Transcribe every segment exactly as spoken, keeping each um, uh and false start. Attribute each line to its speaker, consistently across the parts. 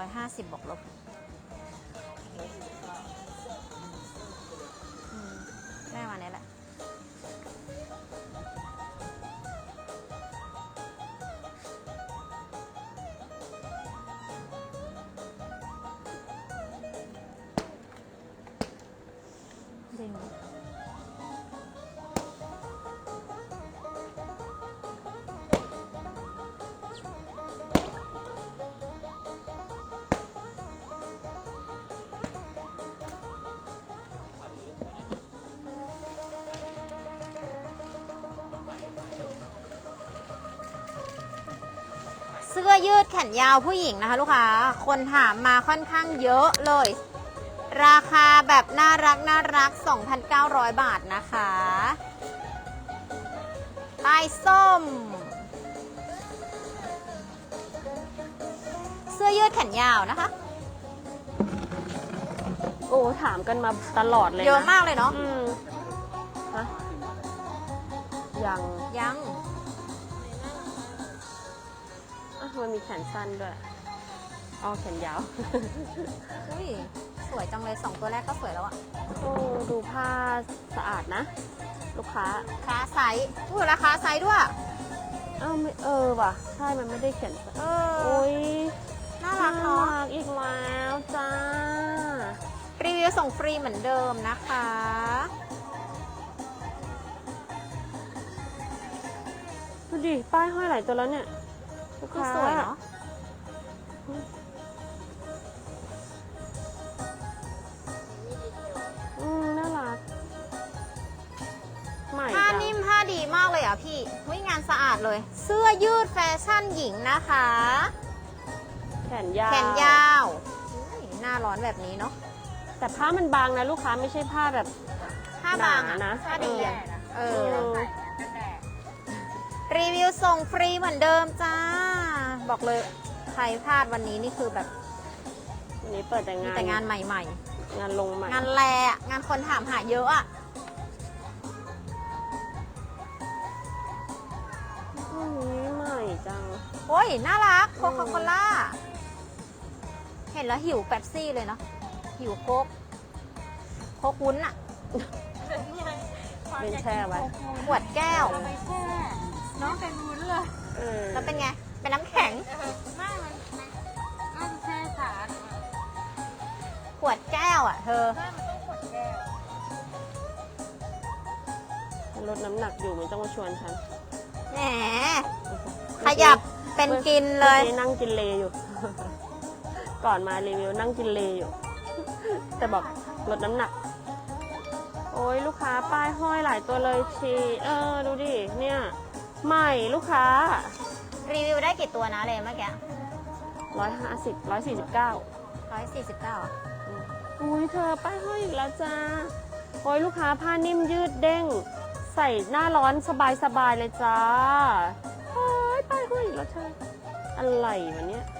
Speaker 1: อยห้าสิบบวกลบได้มาเนี้ยแหละดึงเสื้อยืดแขนยาวผู้หญิงนะคะลูกค้าคนถามมาค่อนข้างเยอะเลยราคาแบบน่ารักน่ารัก สองพันเก้าร้อย บาทนะคะป้ายส้มเสื้อยืดแขนยาวนะคะ
Speaker 2: โอ้ถามกันมาตลอดเลยนะ
Speaker 1: เยอะมากเลยเนาะ
Speaker 2: อืมฮะยัง
Speaker 1: ยัง
Speaker 2: มันมีแขนสั้นด้วยอ๋อแขนยาว
Speaker 1: อุ้ยสวยจังเลยสองตัวแรกก็สวยแล้วอะ
Speaker 2: โอ้ดูผ้าสะอาดนะลูกค้า
Speaker 1: คาไซส์อุ้ยราคาไซส์ด้วย
Speaker 2: เอ้าไม่เออว่ะใช่มันไม่ได้เขียน
Speaker 1: เออ
Speaker 2: โอ้ย
Speaker 1: น่ารักเนาะ
Speaker 2: อีกแล้วจ้า
Speaker 1: รีวิวส่งฟรีเหมือนเดิมนะคะ
Speaker 2: ดูดิป้ายห้อยหลายตัวแล้วเนี่ยลูกค้า
Speaker 1: สวยเนาะ
Speaker 2: อืมน่ารักใหม่
Speaker 1: ผ้านิ่มผ้าดีมากเลยอ่ะพี่วิงานสะอาดเลยเสื้อยืดแฟชั่นหญิงนะคะ
Speaker 2: แขนยาว
Speaker 1: แขนยาวหน้าร้อนแบบนี้เนาะ
Speaker 2: แต่ผ้ามันบางนะลูกค้าไม่ใช่ผ้าแบบ
Speaker 1: ผ้าบางนะผ้าดีอ่ะเออรีวิวส่งฟรีเหมือนเดิมจ้าบอกเลยใครพลาดวันนี้นี่คือแบบ
Speaker 2: วันนี้เปิดแต่งาน
Speaker 1: แต่งานใหม่
Speaker 2: ๆงานลงใหม่
Speaker 1: งานแลงานคนถามหาเยอะอ่ะ
Speaker 2: นี่ใหม่จัง
Speaker 1: โอ้ยน่ารักโคคาโคล่าเห็นแล้วหิวเป๊ปซี่เลยเนาะหิวโค้กโค้กวุ้นอ่ะ
Speaker 2: เป็นแช่ไว้
Speaker 1: ขวดแก้ว
Speaker 3: น้องเป็นวุ้นเลย
Speaker 1: แล้วเป็นไงเป็นน้ำแข็ง
Speaker 3: ไม่มันมันแช่สาร
Speaker 1: ขวดแก้วอ่ะเธอ
Speaker 3: ไม่มันต้องขวดแก้ว
Speaker 2: ลดน้ำหนักอยู่ไม่ต้องมาชวนฉัน
Speaker 1: แหมขยับเป็นกินเลย
Speaker 2: นั่งกินเลอยู่ก่อนมารีวิวนั่งกินเลอยู่แต่บอกลดน้ำหนักโอ้ยลูกค้าป้ายห้อยหลายตัวเลยชีเออดูดิเนี่ยใหม่ลูกค้า
Speaker 1: รีวิวได้กี่ตัวนะเลยเมื่อกี้
Speaker 2: ร้อยห้าสิบร้อยสี่สิบเก้า
Speaker 1: ร้อยสี่สิบเก้า
Speaker 2: อุ้ยเธอป้ายห้อยอีกแล้วจ้าโอ้ยลูกค้าผ้านิ่มยืดเด้งใส่หน้าร้อนสบายๆเลยจ้าโอ้ยป้ายห้อยอีกแล้วเธออะไรวะเนี่ย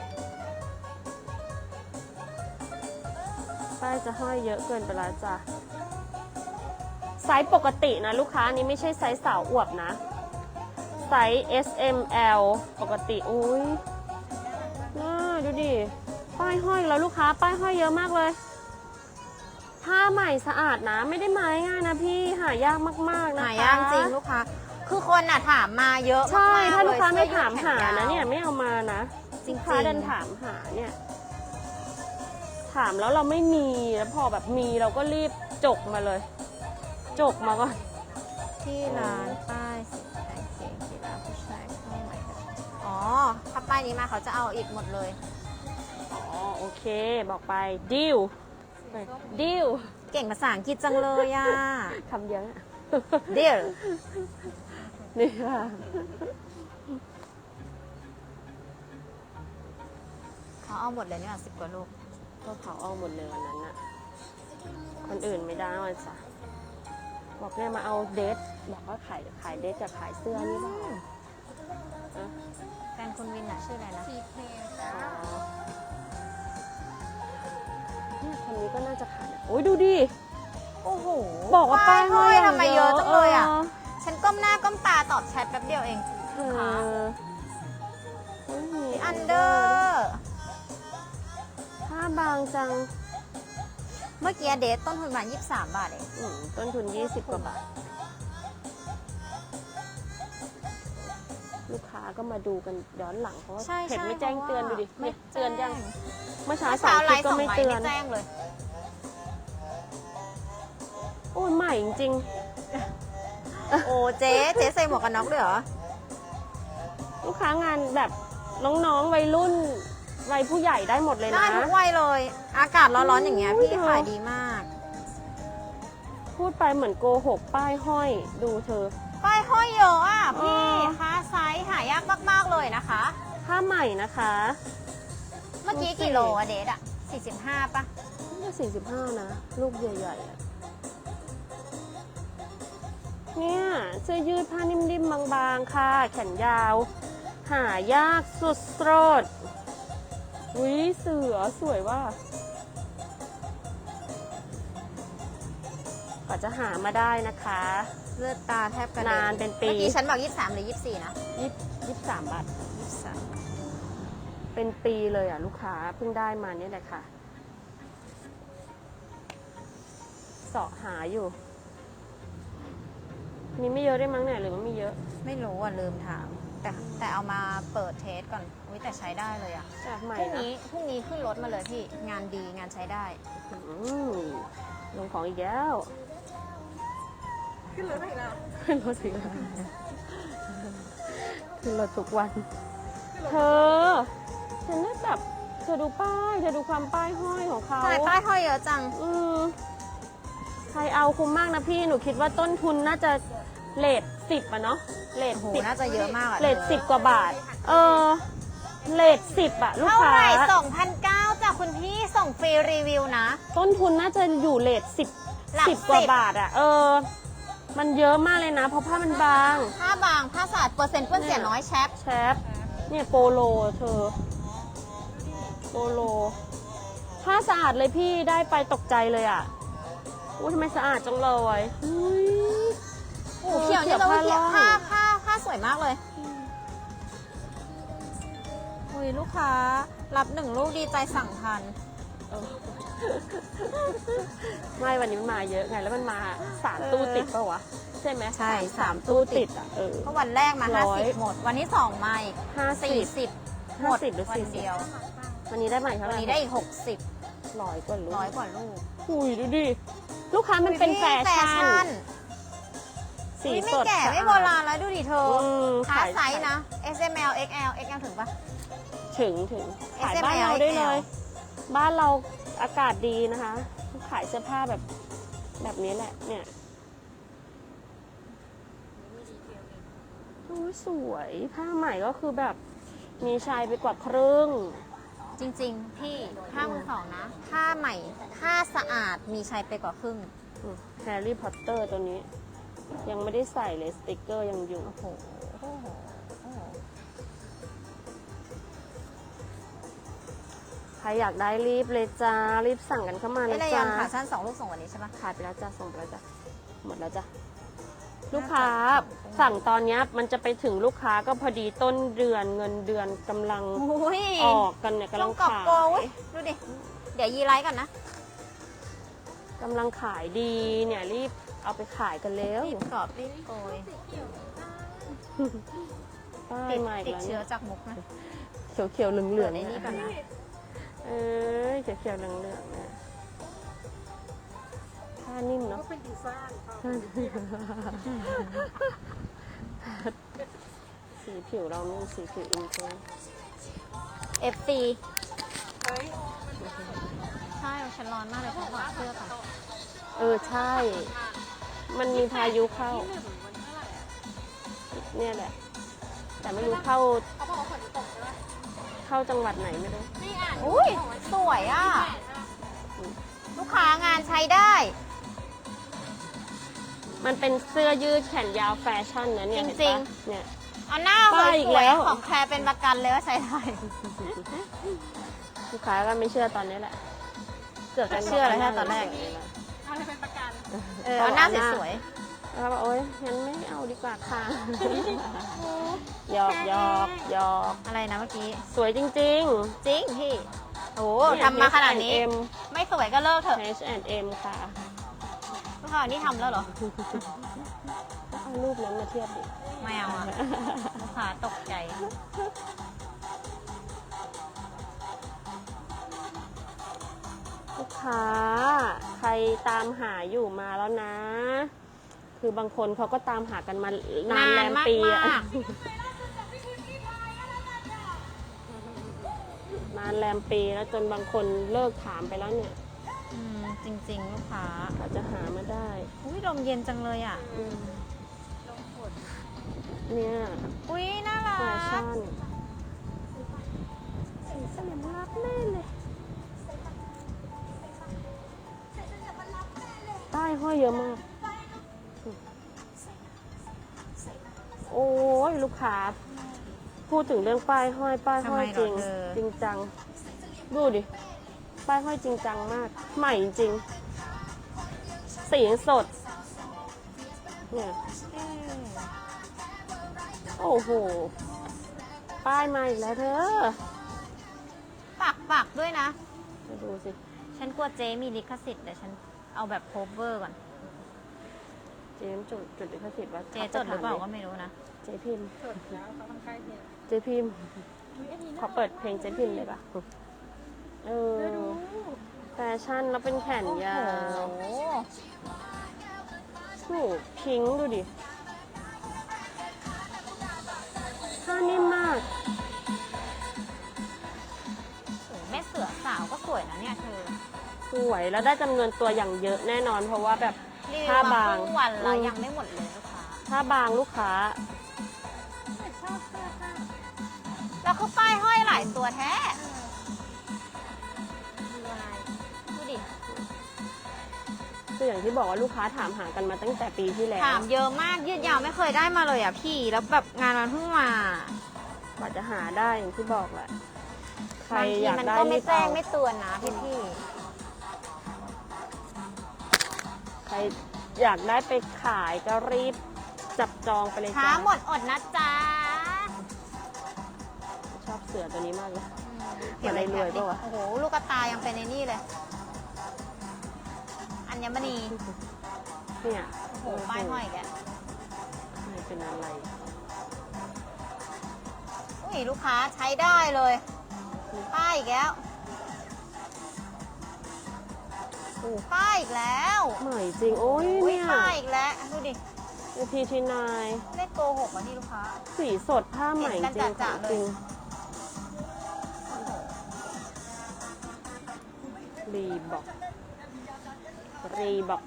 Speaker 2: ป้ายจะห้อยเยอะเกินไปแล้วจ้าไซส์ปกตินะลูกค้านี้ไม่ใช่ไซส์สาวอวบนะไซส์ เอส เอ็ม แอล ปกติอุ้ยน่าดูดิป้ายห้อยแล้วลูกค้าป้ายห้อยเยอะมากเลยผ้าใหม่สะอาดนะไม่ได้ไม้ง่ายนะพี่หายากมากๆนะคะ
Speaker 1: หายากจริงลูกค้าคือคนอ่ะถามมาเยอะ
Speaker 2: ใช่ถ้าลูกค้าไม่ถามหานะเนี่ยไม่เอามานะ
Speaker 1: จริง
Speaker 2: ค้าเดินถามหาเนี่ยถามแล้วเราไม่มีแล้วพอแบบมีเราก็รีบจกมาเลยจกมาก่อน
Speaker 1: ที่ร้านป้ายสีแดงเก่งกีฬาผู้ชายเข้าใหม่อ๋อถ้าป้ายนี้มาเขาจะเอาอีกหมดเลย
Speaker 2: อ๋อโอเคบอกไปดิวดิว
Speaker 1: เก่งภาษาอังกฤษจังเลยอ่ะ
Speaker 2: คำเยอะ
Speaker 1: ดิว
Speaker 2: นี่ค่ะ
Speaker 1: เขาเอาหมดเลยเนี่ยสิบกว่าลูก
Speaker 2: ก็เขาเอาหมดเลยวันนั้นน่ะคนอื่นไม่ได้วันจ้ะบอกเนี่ยมาเอาเดทบอกว่าขายขายเดทกับขายเสื้อนี่บ้าง
Speaker 1: แฟนคุณวินอะชื่ออะไรนะ
Speaker 3: ทีเพย์จ้า
Speaker 2: เนี่ยคนนี้ก็น่าจะขายโอ้ยดูดิ
Speaker 1: โอ้โห
Speaker 2: บอกว่าป้ายห้อย
Speaker 1: ทำไมเยอะจังเลยอ่ะฉันก้มหน้าก้มตาตอบแชทแป๊บเดียวเอง
Speaker 2: ค่ะ
Speaker 1: อันเดอร์
Speaker 2: บางจัง
Speaker 1: เมื่อกี้เดทต้นทุนประมาณยี่สิบสามบาทเอง
Speaker 2: อืมต้นทุนยี่สิบกว่าบาท ลูกค้าก็มาดูกันย้อนหลังเพราะว่า
Speaker 1: ใช่
Speaker 2: เพจ
Speaker 1: ใช่
Speaker 2: ไม่แจ้ง
Speaker 1: พราะว่า
Speaker 2: เตือนดูดิ
Speaker 1: ไม่
Speaker 2: เนี่ยเตือนยัง
Speaker 1: แจ้ง
Speaker 2: เมื่อเช้า
Speaker 1: เมื่อ
Speaker 2: สา
Speaker 1: เช้าม ไล
Speaker 2: คลิป
Speaker 1: ฟ์
Speaker 2: ก็
Speaker 1: ส่ง
Speaker 2: ไม่
Speaker 1: ไล
Speaker 2: เตื
Speaker 1: ฟ์
Speaker 2: อน
Speaker 1: ไม่แจ้งเลย
Speaker 2: โอ้ยใหม่จริง
Speaker 1: โอ้เจ๊เจ๊ใส่หมวกกันน็อกด้วยเหรอ
Speaker 2: ๆลูกค้างานแบบน้องๆวัยรุ่นวัยผู้ใหญ่ได้หมดเลย
Speaker 1: ได้
Speaker 2: นะ
Speaker 1: ทุกวัยเลย อากาศร้อนๆอย่างเงี้ย
Speaker 2: โอ้ย
Speaker 1: พี่
Speaker 2: เธอ
Speaker 1: ขายดีมาก
Speaker 2: พูดไปเหมือนโกหกป้ายห้อยดูเธอ
Speaker 1: ป้ายห้อยเยอะอ่ะพี่
Speaker 2: อ๋อ
Speaker 1: ค้าไซส์หายากมากๆเลยนะคะ
Speaker 2: ผ้าใหม่นะคะ
Speaker 1: เมื่อกี้กี่โลอะเดทอะสี่สิบห้าป่ะ
Speaker 2: นี่สี่สิบห้านะ ลูกใหญ่ๆอะเนี่ยเสื้อยืดผ้านิ่มๆบางๆค่ะ แขนยาว หายากสุดโสดอุ้ยเสือสวยว่ะกว่าจะหามาได้นะคะ
Speaker 1: เลือดตาแทบกระเด็น
Speaker 2: นานเป็นปี
Speaker 1: เมื่อกี้ฉันบอกยี่สิบสามหรือยี่สิบสี่นะ
Speaker 2: ยี่สิบสามบาท
Speaker 1: ยี่สิบสาม
Speaker 2: เป็นปีเลยอ่ะ ลูกค้าเพิ่งได้มาเนี่ยแหละค่ะเสาะหาอยู่ มีไม่เยอะได้มั้งเนี่ยหรือว่ามีเยอะ
Speaker 1: ไม่รู้อ่ะลืมถาม แต่แต่เอามาเปิดเทสก่อนอุ้ยแต่ใช้ได้เลยอ่ะ
Speaker 2: จาก
Speaker 1: พ
Speaker 2: ใหม่
Speaker 1: รุ่ง
Speaker 2: นะ
Speaker 1: นี้พรุ่งนี้ขึ้นรถมาเลยพี่ งานดีงานใช้ได้
Speaker 2: อืมลงของอีกแล้วขึ้นรถอีกแล้วขึ้นรถอีกแล้วขึ้นรถทุกวัน เธอฉันน่าแบบเธอดูป้ายเธอดูความป้ายห้อยของเขา
Speaker 1: ใช่ป้ายห้อยเยอะจัง
Speaker 2: อืมใครเอาคุ้มมากนะพี่หนูคิดว่าต้นทุนน่าจะเลทสิบอะเนาะเลท
Speaker 1: โอ้โห
Speaker 2: สิบ
Speaker 1: น่าจะเยอะมากอ่ะ
Speaker 2: เลทสิบกว่าบาท เออเลทสิบอะลูก
Speaker 1: เท่า
Speaker 2: ค้า
Speaker 1: ไหร่สองพันเก้าจากคุณพี่ส่งฟรีรีวิวนะ
Speaker 2: ต้นทุนน่าจะอยู่เลทสิบ
Speaker 1: หลัก
Speaker 2: สิบกว่า
Speaker 1: สิบ
Speaker 2: บาทอะเออ มันเยอะมากเลยนะ เพราะผ้ามันบาง
Speaker 1: ผ้าบางผ้าสะอาดเปอร์เซ็นต์เปื้อนเสียน้อยแชป
Speaker 2: แชปเนี่ยโปโลเธอ โปโลผ้าสะอาดเลยพี่ได้ไปตกใจเลยอะอุ้ยทำไมสะอาดจังเลยอุ้ย
Speaker 1: โอ้โหเขียวเนี่ยเรา
Speaker 2: ผ้า
Speaker 1: เขียว
Speaker 2: ล่อง
Speaker 1: ผ้าผ้าผ้าสวยมากเลยอุ้ยลูกค้ารับหนึ่งลูกดีใจสั่งทัน
Speaker 2: เออไม่วันนี้มันมาเยอะไงแล้วมันมาสามตู้ติดปะวะใช่ไหม
Speaker 1: ใช่สาม
Speaker 2: ตู้ติดอ่ะเออ
Speaker 1: เพราะวันแรกมา
Speaker 2: ร้อย
Speaker 1: ห้าสิบหมด วันที่สองมาอีก
Speaker 2: ห้าสิบ
Speaker 1: สี่สิบหมด
Speaker 2: ห้าสิบหรือ
Speaker 1: วัน
Speaker 2: สี่สิบ
Speaker 1: เดียว
Speaker 2: วันนี้ได้ใหม่เท่าไห
Speaker 1: วัน
Speaker 2: ร่
Speaker 1: นี้ได้อีกหกสิบ
Speaker 2: ร้อยกว่าลูก
Speaker 1: ร้อยกว่าลูก
Speaker 2: อุ้ยดูดิ ลูกค้ามันเป็นแฟชั่น สี
Speaker 1: อุ๊ยไม่
Speaker 2: สด
Speaker 1: แก่ไม่โบราณแล้วดูดิเธอ
Speaker 2: อืม
Speaker 1: ขา
Speaker 2: ขาย
Speaker 1: ไซส์นะ เอส เอ็ม แอล เอ็กซ์ แอล เอ็กซ์ แอล ถึงปะ
Speaker 2: ถึงถึงขาย
Speaker 1: เอส เอ็ม
Speaker 2: บ้าน
Speaker 1: แอล
Speaker 2: เราได้
Speaker 1: เอ็กซ์
Speaker 2: เล
Speaker 1: แอล
Speaker 2: ย บ้านเราอากาศดีนะคะ ขายเสื้อผ้าแบบแบบนี้แหละ เนี่ยโอ้ยสวยผ้าใหม่ก็คือแบบมีชายไปกว่าครึ่ง
Speaker 1: จริงๆ พี่ผ้ามือสองนะ ผ้าใหม่ ผ้าสะอาด มีชัยไปกว่าครึ่ง
Speaker 2: แฮร์รี่พอตเตอร์ตัวนี้ ยังไม่ได้ใส่เลยสติกเกอร์ยังอยู่
Speaker 1: โอ้โหโอ้โหโอ้โห
Speaker 2: ใครอยากได้รีบเลยจ้า รีบสั่งกันเข้ามา
Speaker 1: ไอ้
Speaker 2: นะ
Speaker 1: ระ
Speaker 2: จ๊ะ
Speaker 1: ยำขาสั้นสองลูกส่งวันนี้ใช่ปะ
Speaker 2: ขายไปแล้วจ้าส่งไปแล้วจ้าหมดแล้วจ้ะลูกค้าสั่งตอนเนี้ยมันจะไปถึงลูกค้าก็พอดีต้นเดือนเงินเดือนกำลัง
Speaker 1: อุ้ย
Speaker 2: ออกกันเนี่ยกำ
Speaker 1: ต้
Speaker 2: ลั
Speaker 1: อง
Speaker 2: ง
Speaker 1: กรอบ
Speaker 2: ขาย
Speaker 1: โกอุ๊ยดูดิ เดี๋ยวยีไลท์ก่อนนะ
Speaker 2: กำลังขายดีเนี่ยรีบเอาไปขายกันแล้ว
Speaker 1: รีบกรอบรีบโกย
Speaker 2: ป้าย
Speaker 1: ติด
Speaker 2: มาอีก
Speaker 1: ติด
Speaker 2: แล้ว
Speaker 1: เชื้
Speaker 2: เนี่
Speaker 1: อย จากมุกนะ
Speaker 2: เขียวเขียวๆเหลืองเหลื
Speaker 1: เปิ
Speaker 2: อ
Speaker 1: ด
Speaker 2: ง
Speaker 1: ไอ้นี่ก่อนนะ
Speaker 2: เอ้ยเขียวเขียวๆเหลืองเหลืองๆเนี่ยผ้านิ่มเนาะเป็นดีไซน์สีผิวเรานี่สีผิวอินเทอร์
Speaker 1: เอฟ ซี ใช่ฉันร้อนมากเลยขอถอดเสื้อก่อน
Speaker 2: เออใช่ มันมีพายุเข้า เนี่ยแหละ แต่ไม่รู้เข้า เข้าจังหวัดไหนไม่รู้
Speaker 1: อุ้ยสวยอ่ะ ลูกค้างานใช้ได้
Speaker 2: มันเป็นเสื้อยืดแขนยาวแฟชั่นนะเนี่ย
Speaker 1: จ
Speaker 2: เห็น
Speaker 1: ริง
Speaker 2: ปะเนี่ย
Speaker 1: เอาหน้าส
Speaker 2: ป้ายอีก
Speaker 1: ว
Speaker 2: แล้
Speaker 1: ยว ๆของแคร์เป็นประกันเลยว่าใช้ได้
Speaker 2: ลูกค้าก็ไม่เชื่อตอนนี้แหละ เกือบจะ
Speaker 1: เชื่อเลยแค่ตอนแรก เออเอาหน้าสวย
Speaker 2: แล้วบอกโอ๊ยงั้นไม่เอาดีกว่าค่ะ หยอกหยอกหยอก
Speaker 1: ๆอะไรนะเมื่อกี้
Speaker 2: สวยจริง
Speaker 1: จริงพี่โอ้
Speaker 2: เนี่ย
Speaker 1: ทำมาขนาดนี้
Speaker 2: เอช แอนด์ เอ็ม
Speaker 1: ไม่สวยก็เลิกเถอะ
Speaker 2: เอช แอนด์ เอ็ม ค่ะ
Speaker 1: ลูกค้านี่ทำแล้วเหรอ
Speaker 2: ก็เอารูปนั้นมาเทียบดิ
Speaker 1: ไม่เอาอะลูกค้าตกใจ
Speaker 2: ลูกค้าใครตามหาอยู่มาแล้วนะ คือบางคนเขาก็ตามหากันมานานแรมปีอะ
Speaker 1: นานมาก
Speaker 2: นานแรมปีแล้วจนบางคนเลิกถามไปแล้วเนี่ย
Speaker 1: อืมจริงๆ ลูกค้า
Speaker 2: อาจจะหามาได้
Speaker 1: อุ้ยลมเย็นจังเลยอ่ะ
Speaker 2: อืมเนี่ย
Speaker 1: อุ้ยน่ารั
Speaker 2: แฟ
Speaker 1: ก
Speaker 2: ชั่นสีสลิมรักแน่เลยป้ายห้อยเยอะมาก โอ้ยลูกค้า พูดถึงเรื่องป้ายห้อยป้ายห้อยจริง จริงจัง ดูดิ ป้ายห้อยจริงจังมาก ใหม่จริง สียังสด เนี่ย โอ้โห ป้ายมาอีกแล้วเธอ
Speaker 1: ปักปักด้วยนะ
Speaker 2: มาดูสิ
Speaker 1: ฉันกลัวเจ๊มีลิขสิทธิ์เดี๋ยวฉันเอาแบบโคเวอร์ก่อน
Speaker 2: เจมส์จดจดลิขสิทธิ์ว่า
Speaker 1: เจ๊จดหรือเปล่าก็ไม่รู้นะ
Speaker 2: เจพิมพ์
Speaker 3: จดแล้วเขาต้องใกล้เทียบ
Speaker 2: เจพิมพ์ขอเปิดเพลงเจพิมพ์เลยปะเออ แฟชั่นแล้วเป็นแขนยาว
Speaker 1: โอ้โห
Speaker 2: โอ้โหพิงค์ดูดิผ้านิ่มมาก
Speaker 1: โอ้โหแม่เสือสาวก็สวยนะเนี่ยเธอ
Speaker 2: สวยแล้วได้จำนวนตัวอย่างเยอะแน่นอน เพราะว่าแบบ
Speaker 1: รีวิว
Speaker 2: ผ้า
Speaker 1: มา
Speaker 2: บาง
Speaker 1: ครึ่งวันแล้ว
Speaker 2: อืม
Speaker 1: ยังไม่หมดเลยลูกค้า
Speaker 2: ผ้าบางลูกค้า
Speaker 3: แต่ชอบเสื้อผ้า
Speaker 1: แล้วคือป้ายห้อยหลายตัวแท้
Speaker 3: ดูลาย
Speaker 1: ดูดิ
Speaker 2: คืออย่างที่บอกว่าลูกค้าถามหากันมาตั้งแต่ปีที่แล้ว
Speaker 1: ถามเยอะมากยืดยาวไม่เคยได้มาเลยอ่ะพี่ แล้วแบบงานมันเพิ่งมา
Speaker 2: กว่าจะหาได้อย่างที่บอกแหละ ใคร
Speaker 1: บางที
Speaker 2: อยาก
Speaker 1: มัน
Speaker 2: ได้
Speaker 1: ก็ไม่
Speaker 2: รีบ
Speaker 1: แจ้ง
Speaker 2: เอา
Speaker 1: ไม่เตือนนะพี่พี่
Speaker 2: ใครอยากได้ไปขายก็รีบจับจองไปเลย
Speaker 1: ช้า
Speaker 2: จ้า
Speaker 1: หมดอดนะจ๊ะ
Speaker 2: ชอบเสือตัวนี้มากเลย
Speaker 1: เก็บไว้
Speaker 2: รวย
Speaker 1: แป๊บ
Speaker 2: ปะวะ
Speaker 1: โอ้โห ลูกกระตายยังเป็นในนี่เลย อัญมณี
Speaker 2: เนี่ย
Speaker 1: โอ้โห ป้ายห้อยอีกแก
Speaker 2: ไม่เป็นอะไร
Speaker 1: อุ้ยลูกค้าใช้ได้เลย ป้ายอีกแล้ว
Speaker 2: โอ้
Speaker 1: ป้ายอีกแล้ว
Speaker 2: ใหม่จริง โอ้ย
Speaker 1: อุ้ย
Speaker 2: เนี่ย
Speaker 1: ป้ายอีกแล้ว ดูดิ
Speaker 2: พีทีนาย
Speaker 1: เลขโกหกอ่ะนี่ลูกค้า
Speaker 2: สีสดผ้าใหม่จ
Speaker 1: เห็
Speaker 2: ริ
Speaker 1: น
Speaker 2: ง
Speaker 1: กันจะๆเลย
Speaker 2: จริงรีบอกรีบอก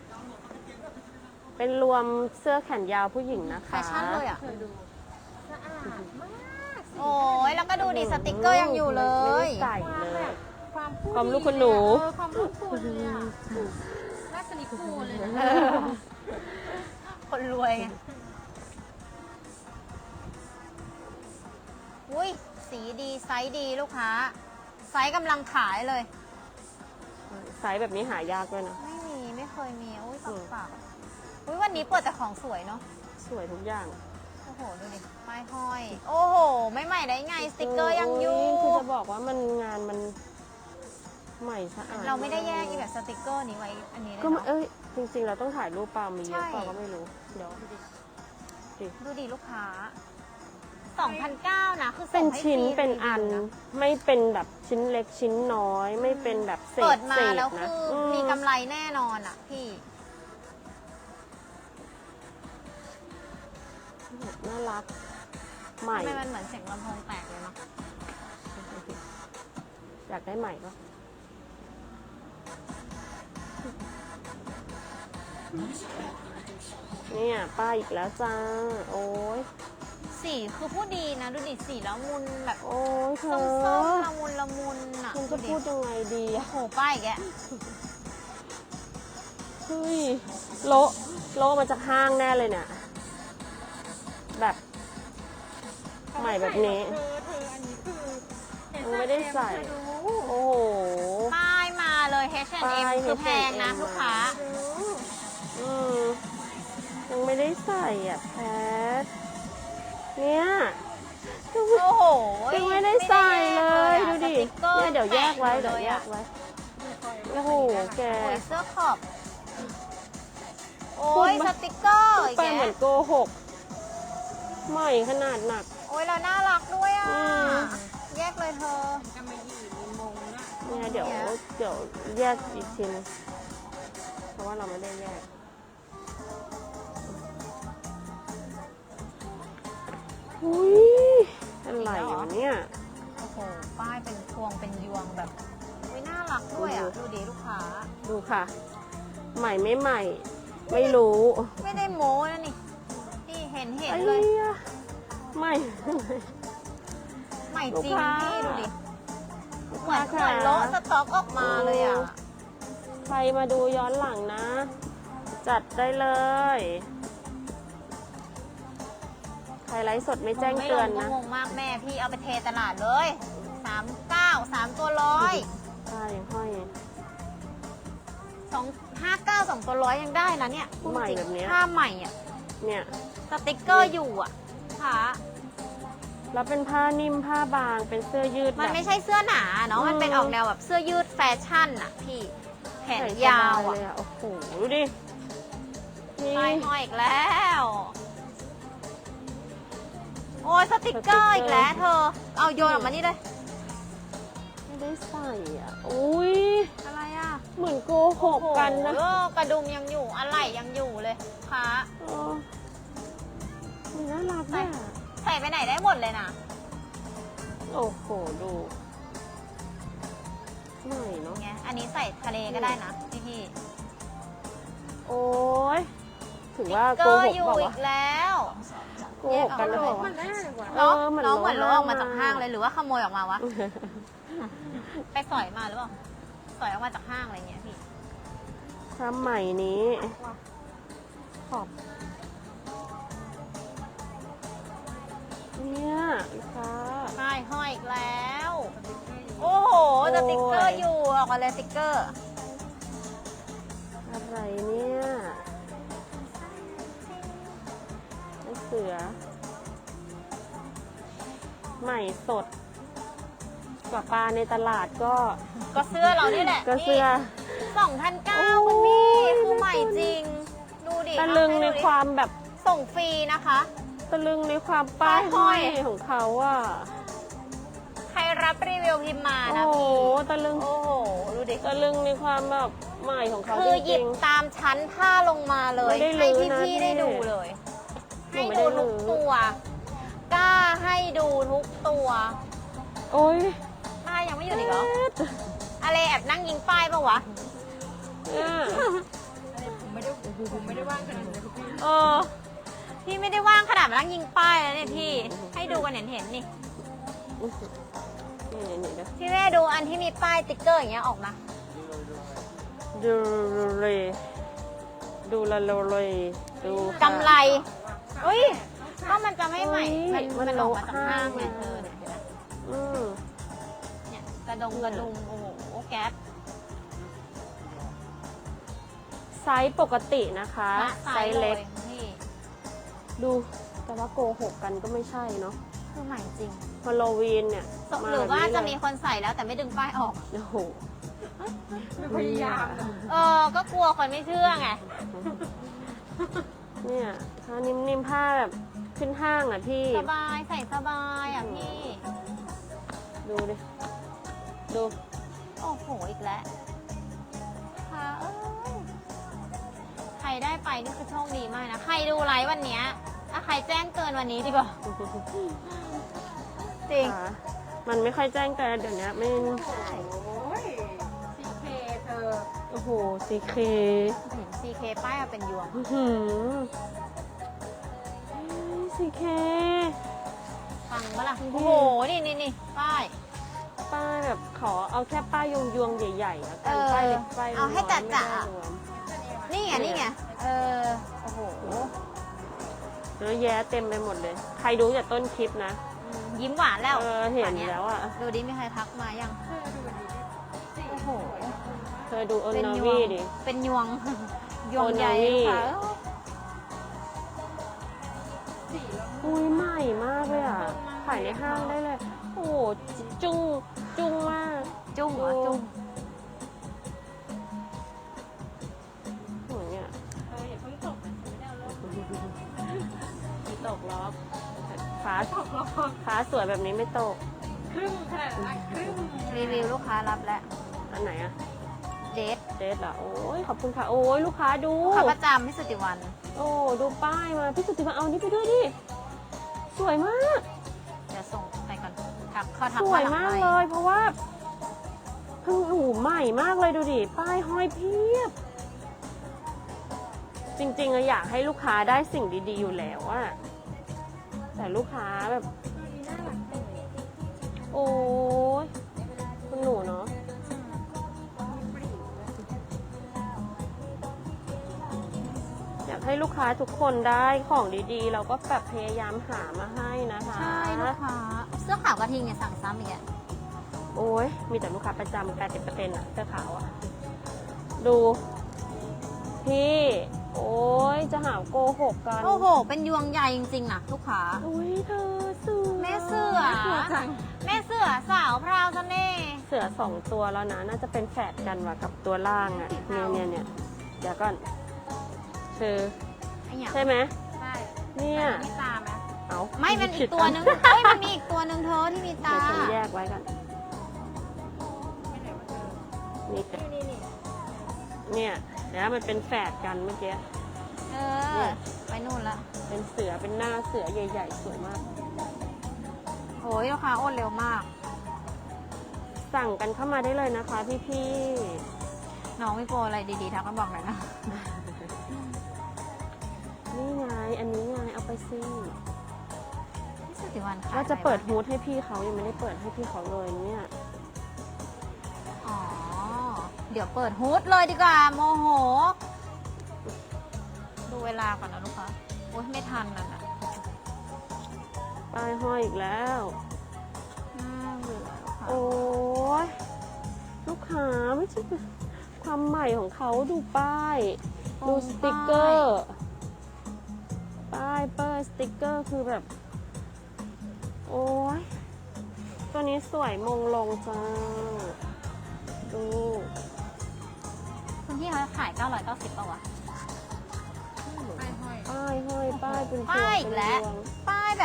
Speaker 2: เป็นรวมเสื้อแขนยาวผู้หญิงนะคะ
Speaker 1: แฟชั่นเลยอ่ะ
Speaker 3: เคยดูสะอาดมาก
Speaker 1: โอ้ยแล้วก็ดูดิสติกเกอร์ยังอยู่เลย
Speaker 2: ไม่ได้ใส่เลย
Speaker 3: ความพูด
Speaker 2: ความลูกคุณหนู
Speaker 3: เออความลูกคุณเลยอ่ะราชนิกูลเลยนะ
Speaker 1: เออคนรวยไงอุ้ยสีดีไซส์ดีลูกค้า ไซส์กำลังขายเลย
Speaker 2: ไซส์แบบนี้หายากด้วยนะ
Speaker 1: ไม่มีไม่เคยมีอุ้ย
Speaker 2: อื
Speaker 1: ฝาก
Speaker 2: ม
Speaker 1: ฝากอุ้ยวันนี้เปิดแต่ของสวยเนาะ
Speaker 2: สวยทุกอย่าง
Speaker 1: โอ้โห ดูดิป้ายห้อย โอ้โห ไม่ใหม่ได้ไง สติกเกอร์ยังอยู่
Speaker 2: โคือจะบอกว่ามันงานมันใหม่สะอาด
Speaker 1: เราไม่ได้แยกอีแบบสติกเกอร์นี้ไว้ อันนี้เลย
Speaker 2: ก็ไม่
Speaker 1: เนาะ
Speaker 2: เอ้ยจริงๆ เราต้องถ่ายรูปเปล่ามีเยอะ
Speaker 1: ใช่
Speaker 2: เปล่าก็ไม่รู้ เดี๋ยว
Speaker 1: ดูดิลูกค้าสองพันเก้านะ คือ
Speaker 2: เป็
Speaker 1: ส่
Speaker 2: น
Speaker 1: งให้
Speaker 2: ชิ้น
Speaker 1: ฟรี
Speaker 2: เป็นอัน
Speaker 1: รีวิวะ
Speaker 2: ไม่เป็นแบบชิ้นเล็กชิ้นน้อย ไม่เป็นแบบเศษ
Speaker 1: เปิดมา
Speaker 2: เศษ
Speaker 1: แล้ว
Speaker 2: นะ
Speaker 1: คือ
Speaker 2: ม
Speaker 1: มีกำไรแน่นอนอ่ะพี่
Speaker 2: น่ารัก ใหม่
Speaker 1: ทำไมมันเหมือนเสียงลำโพงแตกเลยเนาะ
Speaker 2: อยากได้ใหม่ปะเนี่ยป้ายอีกแล้วจ้า โอ้ย
Speaker 1: สีคือผู้ดีนะ ดูดิสีละมุนแบบ
Speaker 2: โอ้ยเธ
Speaker 1: ส้
Speaker 2: อ
Speaker 1: มๆละมุนละมุนอ่ะ
Speaker 2: คุณจะ
Speaker 1: ดิ
Speaker 2: พูดยังไงดี
Speaker 1: โอ้
Speaker 2: อะ
Speaker 1: โหป้ายอีกแก
Speaker 2: เฮ้ยโละโละมาจากห้างแน่เลยเนี่ย แบบ ใหม่แบบนี้
Speaker 3: เธอเธออันนี้คือเห็น
Speaker 2: ยังไม่ได้ใส่
Speaker 3: เธอดู
Speaker 2: โอ้โห
Speaker 1: ป้ายมาเลย เอช แอนด์ เอ็ม
Speaker 2: ป้าย
Speaker 1: คือแพงนะ
Speaker 2: เอช แอนด์ เอ็ม
Speaker 1: ลูกค้า
Speaker 3: ดู
Speaker 2: อืมยังไม่ได้ใส่อ่ะแพท เนี่ย
Speaker 1: โอ้โห
Speaker 2: ยังไม่ได้ใส่เลย
Speaker 1: ไม่
Speaker 2: ดู
Speaker 1: ได้ติ๊กเกอร์
Speaker 2: เนี่ยเดี๋ยวแยกไว้
Speaker 1: แปะ
Speaker 2: เดี๋ยว
Speaker 1: เลย
Speaker 2: แย
Speaker 1: อะ
Speaker 2: กไว้ โอ้โห แก
Speaker 1: โอ้ยเสื้อขอบ โอ้ย
Speaker 2: พูด
Speaker 1: ส
Speaker 2: มา
Speaker 1: ติกเกอร์อีก
Speaker 2: ไป
Speaker 1: แก
Speaker 2: เหมือนโกหก ใหม่ขนาดหนัก
Speaker 1: โอ้ยเราน่ารักด้วยอ่ะ
Speaker 2: อืม
Speaker 1: แยกเลยเธอ
Speaker 3: จะมาหยีมีมงนะ
Speaker 2: เนี่ยเดี๋ยว
Speaker 1: เนี่ย
Speaker 2: เดี๋ยวแยกอีกทีนึงเพราะว่าเราไม่ได้แยกอุ้ยอะไรวะเนี่ย
Speaker 1: โอ้โห ป้ายเป็นพวงเป็นยวงแบบอุ้ยน่ารักด้วยอ่ะ ดูดีลูกค้า
Speaker 2: ดูค่ะ ใหม่ไม่ใหม่ ไม่รู้
Speaker 1: ไม่ได้โม้นะนี่นี่เห็นเห็น
Speaker 2: ไอ้
Speaker 1: เลย
Speaker 2: เหี้ยใหม่
Speaker 1: ใหม่จริง
Speaker 2: ลูกค้า
Speaker 1: พี่ดูดิ
Speaker 2: ลูก
Speaker 1: เหมื
Speaker 2: ค้า
Speaker 1: อนเหมือน
Speaker 2: ค่ะ
Speaker 1: โละสต็อกออกมาเลยอ่ะ
Speaker 2: ใครมาดูย้อนหลังนะ จัดได้เลย ใครไลฟ์สดไม่แจ้งเตือน
Speaker 1: ไม่ล
Speaker 2: นะ
Speaker 1: งก็งงมากแม่พี่เอาไปเทตลาดเลยสามเก้าสามตัวร้อย
Speaker 2: ใช่ห้อย
Speaker 1: สองห้าเก้าสองตัวร้อยยังได้นะเนี่ยพูด
Speaker 2: ใหม่
Speaker 1: จริง
Speaker 2: แบบเนี้ย
Speaker 1: ผ้าใหม่อ่ะ
Speaker 2: เนี่ย
Speaker 1: สติกเกอร์อยู่อ่ะค่ะ
Speaker 2: แล้วเป็นผ้านิ่มผ้าบางเป็นเสื้อยืด
Speaker 1: มัน
Speaker 2: แบบ
Speaker 1: ไม่ใช่เสื้อหนาเนาะ
Speaker 2: อืม
Speaker 1: มันเป็นออกแนวแบบเสื้อยืดแฟชั่นอ่ะพี่แขน
Speaker 2: ใส่ส
Speaker 1: ยาว
Speaker 2: บ
Speaker 1: อ่ะ
Speaker 2: เลยโอ้โห ดูดินี่
Speaker 1: ป้ายห้อยอีกแล้ว โอ้ยสติกเกอร์อีกแล้วเธอ เอาโยนออกมานี่เลย
Speaker 2: ไม่ได้ใส่อ่ะ อุ้ย
Speaker 1: อะไรอ่ะ
Speaker 2: เหมือนโกหกกันนะ
Speaker 1: โอ้โหกระดุมยังอยู่อะไรยังอยู่เลยค่ะ
Speaker 2: เออมันน่ารักอ่ะ
Speaker 1: ใส่ไปไหนได้หมดเลยนะ
Speaker 2: โอ้โห ดูใหม่เนาะ
Speaker 1: ไงอันนี้ใส่ทะเลก็ได้นะพี่พี่
Speaker 2: โอ้ยถือว่า
Speaker 1: ๆ
Speaker 2: โก
Speaker 1: ก็
Speaker 2: หก
Speaker 1: อยู่
Speaker 2: เปล่า
Speaker 1: อี
Speaker 2: วะ
Speaker 1: กแล้ว
Speaker 2: โกหกกันหรือเปล่า
Speaker 3: มัน
Speaker 2: วะ
Speaker 3: แน่กว่า
Speaker 2: เอ
Speaker 1: เนาะ
Speaker 2: อเหมือน
Speaker 1: น้องเหมือน
Speaker 2: โล
Speaker 1: โล
Speaker 2: ห้า
Speaker 1: ออกมาจากห้างเลยหรือว่าขโมยออกมาวะ ไปสอยมาหรือเปล่าสอยออกมาจากห้างอะไรเงี้ยพี่
Speaker 2: ถ้าใหม่นี้ ขอบ เนี่ยลูกค้า
Speaker 1: ใช่ห้อยอีกแล้ว โอ้โหสติกเกอร์อยู่ออกมาเลยสติกเกอร์
Speaker 2: อะไรเนี่ยไอเสือ ใหม่สด กว่าปลาในตลาดก็
Speaker 1: ก็เสื้อเรานี่แหละ
Speaker 2: ก็เสื้อ
Speaker 1: สองพันเก้า
Speaker 2: โอ้
Speaker 1: คุณ
Speaker 2: ย
Speaker 1: พี่คือใหม่จริง ดูดิ
Speaker 2: ตะลึง
Speaker 1: เอา
Speaker 2: ใน
Speaker 1: ให้ดูดิ
Speaker 2: ความแบบ
Speaker 1: ส่งฟรีนะคะ
Speaker 2: ตะลึงในความป้าย
Speaker 1: ป้ายห้
Speaker 2: ห้
Speaker 1: อ
Speaker 2: อย ยของเขาอ่ะ
Speaker 1: ใครรับรีวิวพิมพ์มา
Speaker 2: โอ้
Speaker 1: นะ
Speaker 2: โห
Speaker 1: พี่
Speaker 2: ตะลึง
Speaker 1: โอ้โห ดูดิ
Speaker 2: ตะลึงในความแบบใหม่ของเขา
Speaker 1: คื
Speaker 2: จ
Speaker 1: อหยิ
Speaker 2: ริ
Speaker 1: บ
Speaker 2: ง
Speaker 1: ตามชั้นผ้าลงมาเลย
Speaker 2: ไม่ได้
Speaker 1: ให้
Speaker 2: ลื้อนะ
Speaker 1: พี่ๆได้
Speaker 2: พี่
Speaker 1: ดูเลย
Speaker 2: หนู
Speaker 1: ให้
Speaker 2: ไม่ได้
Speaker 1: ดู
Speaker 2: ลื้
Speaker 1: ทุก
Speaker 2: อ
Speaker 1: ตัว กล้าให้ดูทุกตัว
Speaker 2: ๆ โอ้ย
Speaker 1: ป้ายยังไม่หยุดอีกเหรออะไรแอบนั่งยิงป้ายปะวะ
Speaker 2: เนี่ย
Speaker 3: ผมไม่ได้ผมไม่ได้ว่างขนาดนั้นพี่
Speaker 1: เออ พี่ไม่ได้ว่างขนาดมานั่งยิงป้ายแล้วเนี่ยพี่ ให้ดูกันเห็นเห็นๆนี่
Speaker 2: นี่นี่เดี๋ยว
Speaker 1: พี่แม่ดูอันที่มีป้ายติ๊กเกอร์อย่างเงี้ยออกมา
Speaker 2: ดูเลยดูละเลยดูค่ะ
Speaker 1: กำไรอุ้ยก็มันจะไม่ใหม่
Speaker 2: เฮ้
Speaker 1: มัน
Speaker 2: ย
Speaker 1: มัน
Speaker 2: มัน
Speaker 1: ออกมาจาก
Speaker 2: โลห้า
Speaker 1: ห้างไง
Speaker 2: ไง
Speaker 1: เธอเนี่ยเห็นไหม
Speaker 2: อืม
Speaker 1: เนี่ยกระดงกระดุมโอ้โหแก๊ป
Speaker 2: ไซส์ปกตินะคะ
Speaker 1: ละ
Speaker 2: ไซส์เล็ก
Speaker 1: พี่
Speaker 2: ดูแต่ว่าโกหกกันก็ไม่ใช่เนาะ
Speaker 1: คือใหม่จริง
Speaker 2: ฮาโลวีนเนี่ย
Speaker 1: หรือว่า
Speaker 2: แบบนี้
Speaker 1: จะ
Speaker 2: เลย
Speaker 1: มีคนใส่แล้วแต่ไม่ดึงป้ายออก
Speaker 2: โอ้โห
Speaker 3: ไม่พยายามนะ
Speaker 1: เออ ก็กลัวคนไม่เชื่อไง
Speaker 2: เนี่ยผ้านิ่มๆผ้าแบบขึ้นห้างอ่ะพี่
Speaker 1: สบายใส่สบายอ่ะพี่
Speaker 2: ดูดิ ดู
Speaker 1: โอ้โห อีกแล้วค่ะเอ้ยใครได้ไปนี่คือโชคดีมากนะ ใครดูไลฟ์วันเนี้ยถ้าใครแจ้งเกินวันนี้ดีกว่า จริง
Speaker 2: ค่ะมันไม่ค่อยแจ้งเตือนเดี๋ยวนี้ไม่
Speaker 3: โอ้ยซีเคเธอ
Speaker 2: โอ้โหซีเค
Speaker 1: เห็น ซี เค ป้ายมาเป็นยวง
Speaker 2: อื้อหือซีเค
Speaker 1: ฟังปะล่ะ
Speaker 2: อืม
Speaker 1: โอ้โห นี่นี่นี่ป้าย
Speaker 2: ป้ายแบบขอเอาแค่ป้ายยวงยวงๆใหญ่ๆแล้วกัน
Speaker 1: เออ
Speaker 2: ป้ายเล็กป้ายน้
Speaker 1: เอา
Speaker 2: อย
Speaker 1: ให้
Speaker 2: ไม่
Speaker 1: จ๋า
Speaker 2: ได้
Speaker 1: ๆ
Speaker 2: รวม
Speaker 1: นี่ไง นี่ไง เออ โอ้โห
Speaker 2: เยอะแยะเต็มไปหมดเลย ใครดูจากต้นคลิปนะ
Speaker 1: อืมยิ้มหวานแล้ว
Speaker 2: เออเห็น
Speaker 1: ป่านี้ย
Speaker 2: แล้วอ่ะ
Speaker 1: ดูดิมีใครทักมายัง
Speaker 3: เธอดูดีดิ
Speaker 1: โอ้โห
Speaker 2: เธอดูโอ
Speaker 1: เป็น
Speaker 2: นา
Speaker 1: ยว
Speaker 2: วี
Speaker 1: ง
Speaker 2: ดิ
Speaker 1: เป็นยวง ยวงใหญ่
Speaker 2: โอนาวี
Speaker 1: ค่ะ
Speaker 2: อุ้ยใหม่มากเลยอ่ะขายในห้างได้เลย โอ้โหจุ้งจุ้งมาก
Speaker 1: จุ้งเหรอจุ้ง
Speaker 2: โหเนี่ย
Speaker 3: เอออย่าเพิ่งตกนะฉันไม่ได้เอาลง
Speaker 2: ไม่ตกล็อกฟ้า
Speaker 3: ตกลง
Speaker 2: ฟ้าสวยแบบนี้ไม่ตก
Speaker 3: ครึ่งขนาดนั้นครึ่ง
Speaker 1: รีวิวลูกค้ารับแล้ว
Speaker 2: อันไหนอะ
Speaker 1: เดท
Speaker 2: เดทเหรอ โอ้ยขอบคุณค่ะ โอ้ยลูกค้าดู
Speaker 1: ลูกค้าประจำพี่สุติวัน
Speaker 2: โอ้ดูป้ายมา พี่สุติมาเอานี่ไปด้วยดิ สวยมาก
Speaker 1: เดี๋ยวส่งไปก่อนทักเขาทัก
Speaker 2: สวย
Speaker 1: หลัง
Speaker 2: มาก
Speaker 1: ไ
Speaker 2: เลย เพราะว่าเพิ่งหูใหม่มากเลยดูดิ ป้ายห้อยเพียบ จริงๆอะอยากให้ลูกค้าได้สิ่งดีๆอยู่แล้วอะแต่ลูกค้าแบบ
Speaker 3: น่ารักจังเลย
Speaker 2: โอ้ยคุณหนูเนาะ อยากให้ลูกค้าทุกคนได้ของดีๆ เราก็แบบพยายามหามาให้นะคะ
Speaker 1: ใช่ลูกค้า เสื้อขาวกระทิงเนี่ยสั่งซ้ำอีกอะ
Speaker 2: โอ้ยมีแต่ลูกค้าประจำแปดสิบเปอร์เซ็นต์อะเสื้อขาวอะดู พี่ โอ้ยจะหาโกหกกัน
Speaker 1: โอ้โห เป็นยวงใหญ่จริงๆนะลูกค้า
Speaker 2: อุ้ยเธอเสือ
Speaker 1: แม่เสือ แม่เสือสาวพราวเสน่ห์
Speaker 2: เสือสองตัวแล้วนะ น่าจะเป็นแฝดกันว่ะกับตัวล่างอะเนี่ยเนี่ยเนี่ยเดี๋ยวก่อนคือ
Speaker 1: ไอ้หยัง
Speaker 2: ใช่ไหม
Speaker 3: ใช่
Speaker 2: เนี่ย
Speaker 3: มีตาไหม
Speaker 2: เอา
Speaker 1: ไม่มันอีกตัวนึงเฮ้ยมันมีอีกตัวนึงเธอที่มีตา
Speaker 2: เดี๋ยวฉันแยกไว้กัน
Speaker 3: ไม่ไหนมาเจอ
Speaker 2: นี่
Speaker 3: นี่นี่นี่
Speaker 2: เนี่ยเดี๋ยวมันเป็นแฝดกันเมื่อกี้
Speaker 1: เออ ไปนู่นละ
Speaker 2: เป็นเสือเป็นหน้าเสือใหญ่ๆ สวยมาก
Speaker 1: โอ้ยลูกค้าโอนเร็วมาก
Speaker 2: สั่งกันเข้ามาได้เลยนะคะพี่
Speaker 1: น้องไม่โปรอะไรดีๆทักมาบอกหน่อยนะ
Speaker 2: ๆ นี่ไง อันนี้ไง เอาไปซิ
Speaker 1: พี่สุติวันขาย
Speaker 2: ว่าจะเปิด
Speaker 1: อะไร
Speaker 2: ฮูดให้พี่เขายังไม่ได้เปิดให้พี่เขาเลยเนี่ย
Speaker 1: อ๋อ เดี๋ยวเปิดฮูดเลยดีกว่า โมโห ดูเวลาก่อนนะลูกค้าโอ้ยไม่ทันนั่นอ่ะ
Speaker 2: ป้ายห้อยอีกแล้ว
Speaker 1: น่าเบื่อลูกค้า
Speaker 2: โอ้ยลูกค้าไม่ใช่ความใหม่ของเขาดูป้าย ดูสติกเกอร์ ป้ายเปอร์สติกเกอร์คือแบบ โอ้ยตัวนี้สวยมงลงจ้า ดู
Speaker 1: คุณพี่เขาขายเก้าร้อยเก้าสิบป่าวะ
Speaker 3: ไปห้อย
Speaker 2: ป้ายห้อยป้ายเป็นพวง
Speaker 1: ป้ายอี
Speaker 2: เป็
Speaker 1: ก
Speaker 2: น
Speaker 1: แล้ว
Speaker 2: ดวง
Speaker 1: ป้ายแบบ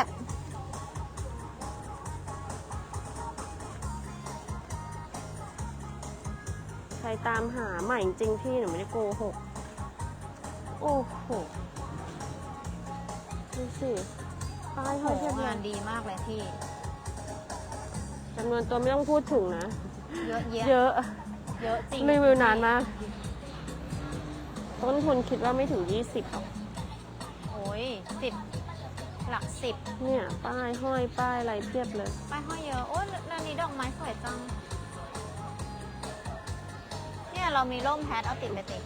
Speaker 2: ใครตามหาใหม่จริงๆพี่หนูไม่ได้โกหก โอ้โห ดูสิ ป้ายห้อยเทียบ
Speaker 1: โห
Speaker 2: เล
Speaker 1: งาย นดีมากเลยพี่
Speaker 2: จำนวนตัวไม่ต้องพูดถึงนะ
Speaker 1: เยอะแยะ
Speaker 2: เยอะ
Speaker 1: เยอะจริง
Speaker 2: รีวิวนานมาก ต้นทุนคิดว่าไม่ถึง ยี่สิบหรอก
Speaker 1: โอ้ยสิบหลักสิบ
Speaker 2: เนี่ย ป้ายห้อยป้ายอะไรเพียบเลย
Speaker 1: ป้ายห้อยเยอะ โอ้ยร้านนี้ดอกไม้สวยจัง เนี่ยเรามีร่มแพทเอาติดไปติด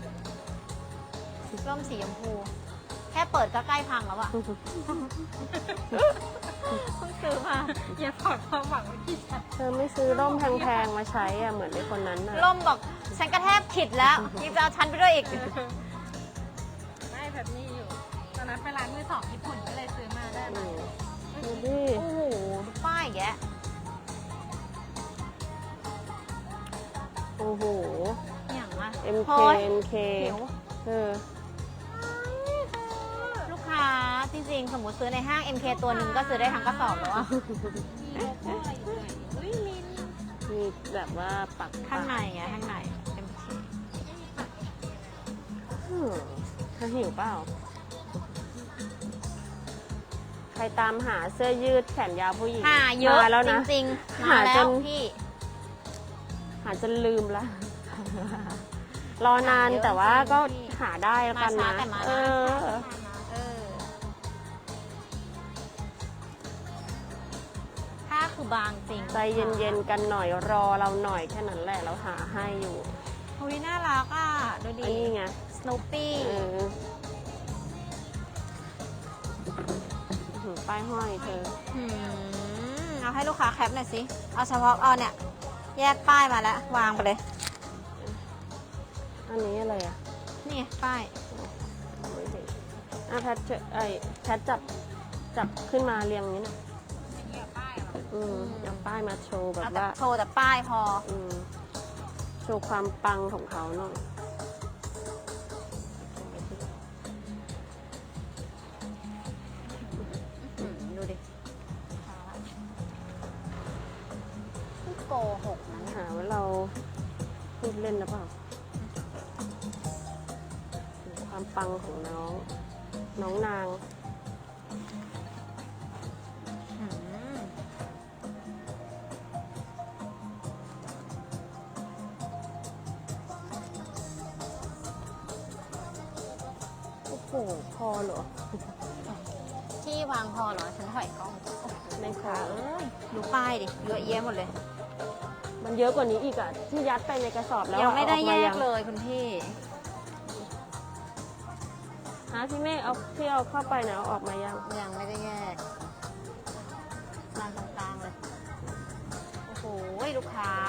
Speaker 1: ร่มสีชมพู แค่เปิดก็ใกล้พังแล้วอะ เพิ่งซื้อมา
Speaker 3: อย่าถอดความหวังไว้ที่ฉัน
Speaker 2: เธอไม่ซื้อร่มแพงๆมาใช้อะเหมือนไอ้คนนั้นน่ะ
Speaker 1: ร่มบอกฉันกระแทบผิดแล้วยังจะเอาฉันไปด้วยอีก
Speaker 3: ไม่แบบนี้อยู่ ตอนนั้นไปร้านมือสองญี่ปุ่นก็เลยซื้อมาได้
Speaker 2: อื
Speaker 3: มาม
Speaker 2: ดูดิ
Speaker 1: โอ้โหดูป้ายแก
Speaker 2: โอ้โห
Speaker 1: อย่างอะ
Speaker 2: เอ็ม
Speaker 1: โ
Speaker 2: เค เอ็ม เค
Speaker 1: หิว
Speaker 2: เออ
Speaker 1: ลูกค้าจริงๆ สมมติซื้อในห้าง เอ็ม เค ตัวหนึ่งก็ซื้อได้ทั้งกระสอบแล้วอะ
Speaker 3: มีโลโก้อะไรอยู่เลยอุ้ยมิน
Speaker 2: มีแบบว่าปัก
Speaker 1: ข้างในไงข้างใน เอ็ม เค
Speaker 2: อืมเธอหิวเปล่า ใครตามหาเสื้อยืดแขนยาวผู้หญิง
Speaker 1: หาเยอะ
Speaker 2: มาแล้ว
Speaker 1: จ
Speaker 2: นะ
Speaker 1: ริงๆ
Speaker 2: หา
Speaker 1: มาแล้
Speaker 2: จ
Speaker 1: วน พี่
Speaker 2: หาจนลืมละ รอนานแต่ว่าก็หาได้แล้วกันนะ
Speaker 1: มาช้าแต่มานะ
Speaker 2: เออ
Speaker 1: เออผ้าคือบางจริง
Speaker 2: ใจเย็นๆกันหน่อยรอเราหน่อยแค่นั้นแหละเราหาให้อยู่
Speaker 1: ๆอุ้ยน่ารักอ่ะ ดูดิ
Speaker 2: อันนี้ไง
Speaker 1: สโนปี้
Speaker 2: เออหือป้ายห้อยเธอ
Speaker 1: เอาให้ลูกค้าแคปหน่อยสิ เอาเฉพาะเอาเนี่ย แยกป้ายมาแล้ว วางไปเลย
Speaker 2: อันนี้อะไรอ่ะ
Speaker 1: นี่ไงป้าย
Speaker 2: ไม่เห็นอ่ะแพทเจอไอ้แพทจับจับขึ้นมาเรียงอย่างนี้หน่อย
Speaker 3: เหยียบป้ายเหรอ
Speaker 2: อืมเอาป้ายมาโชว์แบบ
Speaker 1: เอาแต่
Speaker 2: ว่า
Speaker 1: โชว์แต่ป้ายพอ
Speaker 2: อืมโชว์ความปังของเขาหน่อย
Speaker 1: อืมดูดิไม่โกหกนะเนี่ย
Speaker 2: หาว่าเราพูดเล่นหรือเปล่าความปังของน้อง น้องนาง
Speaker 1: อืม
Speaker 2: โอ้โห พอเหรอ
Speaker 1: ที่วางพอเหรอ ฉันถอยกล้อง
Speaker 2: ไม่พอ
Speaker 1: เอ้ยดูป้ายดิ เยอะแยะหมดเลย
Speaker 2: มันเยอะกว่านี้อีกอ่ะ ที่ยัดไปในกระสอบแล้ว
Speaker 1: ยังไม่ได้
Speaker 2: อาออ
Speaker 1: แย
Speaker 2: มาก ง
Speaker 1: เลยคุณพี่
Speaker 2: ฮะพี่เมฆเอาพี่เอาเข้าไปนะเอาออกมายัง
Speaker 1: ยังไม่ได้แยกวางตรงกลางเลย โอ้โห ลูกค้า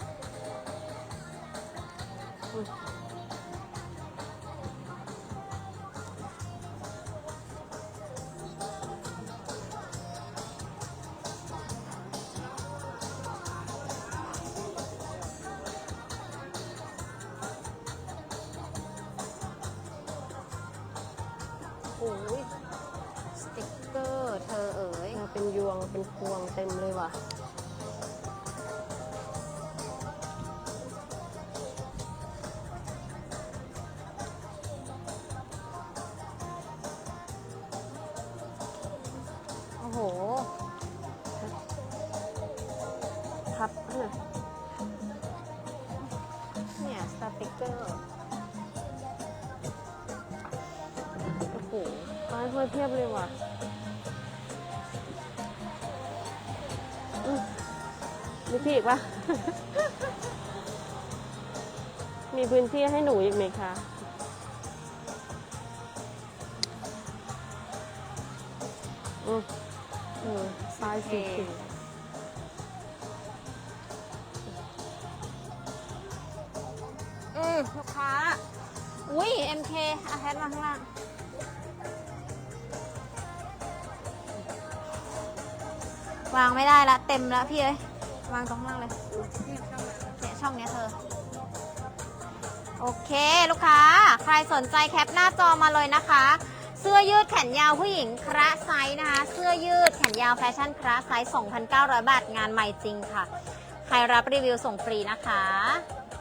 Speaker 2: อุ๊ย
Speaker 1: โอ้ยสติกเกอร์เธอเอ๋ย
Speaker 2: มาเป็นยวงเป็นพวงเต็มเลยว่ะ
Speaker 1: โอ้โห
Speaker 2: พับให้หน่อย
Speaker 1: เนี่ยสติกเกอร์
Speaker 2: โอ้โหป้ายห้อยเพียบเลยว่ะอืมมีพี่อีกปะ มีพื้นที่ให้หนูอีกไหมคะ อืมเออป้ายสีเขียว
Speaker 1: อืมลูกค้า อุ้ย เอ็ม เค อาแพทมาข้างล่าง วางไม่ได้ละ เต็มแล้วพี่เอ้ยวางตรงข้างล่างเลย เนี่ยช่องเนี้ยเธอ โอเคลูกค้า ใครสนใจแคปหน้าจอมาเลยนะคะ เสื้อยืดแขนยาวผู้หญิงคระไซส์นะคะ เสื้อยืดแขนยาวแฟชั่นคระไซส์ สองพันเก้าร้อย บาท งานใหม่จริงค่ะ ใครรับรีวิวส่งฟรีนะคะ